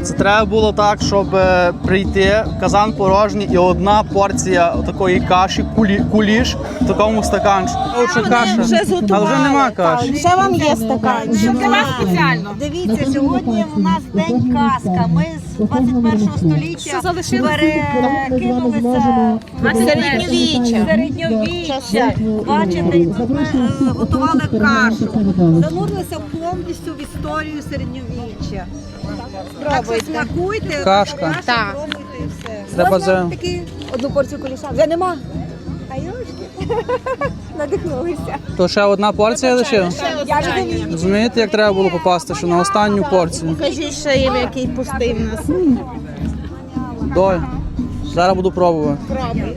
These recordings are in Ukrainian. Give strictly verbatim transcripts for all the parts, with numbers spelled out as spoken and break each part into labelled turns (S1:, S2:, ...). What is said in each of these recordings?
S1: Це треба було так, щоб е, прийти, казан порожній і одна порція такої каші, кулі, куліш в такому стаканчику. Лучше каша, але вже нема каші.
S2: Ще вам є стаканчик.
S3: Для вас спеціально.
S4: Дивіться, сьогодні у нас день казка. Ми з двадцять першого століття перекинулися в
S3: Середньовіччя.
S4: середньовіччя. Бачите, тут ми е, готували кашу. Занурилися повністю в історію середньовіччя. Так що смакуйте,
S1: Кашка.
S4: так. Пробуйте і все.
S1: Треба за...
S2: Одну порцію куліша. Вже нема. А юшки. Надихнулися.
S1: То ще одна порція лишилась?
S2: Я вже не вмію.
S1: Розумієте, як треба було попасти, що на останню порцію?
S2: Кажіть, що їм який пустий в нас.
S1: Доль. Зараз буду пробувати.
S2: Пробуй.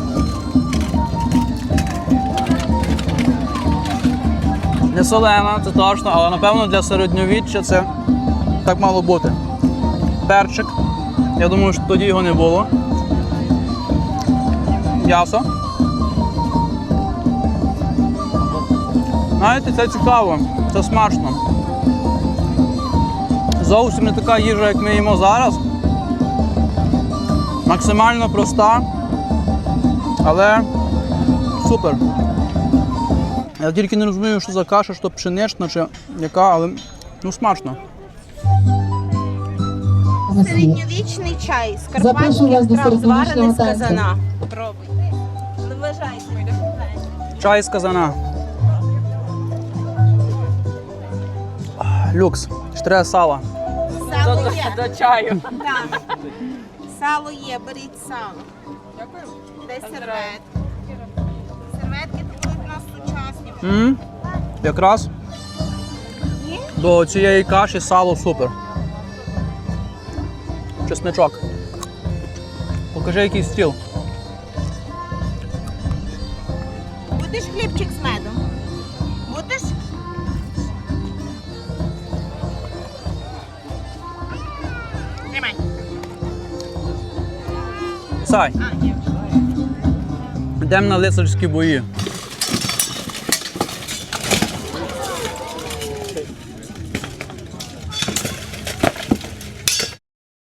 S1: Не солена, це точно, але напевно для середньовіччя це так мало бути. Перчик. Я думаю, що тоді його не було. М'ясо. Знаєте, це цікаво, це смачно. Зовсім не така їжа, як ми їмо зараз. Максимально проста, але супер. Я тільки не розумію, що за каша, що пшенична чи яка, але ну смачно.
S2: Середньовічний чай з
S5: Запрошую вас
S2: карпатських
S5: до
S2: трав, зварений
S5: середньовічного
S2: з
S5: танцю.
S2: казана. Пробуйте. Не вважайте.
S1: Чай з казана. Люкс. Ще треба сала.
S2: Сало є.
S3: До чаю.
S2: Так. Сало є, беріть сало. Дякую. Де серветки? Серветки тут у нас сучасні.
S1: М? Якраз до цієї каші сало супер. Чесничок. Покажи, який стіл.
S2: Будеш хлібчик з медом? Будеш? Тримай.
S1: Сай. Йдемо на лицарські бої.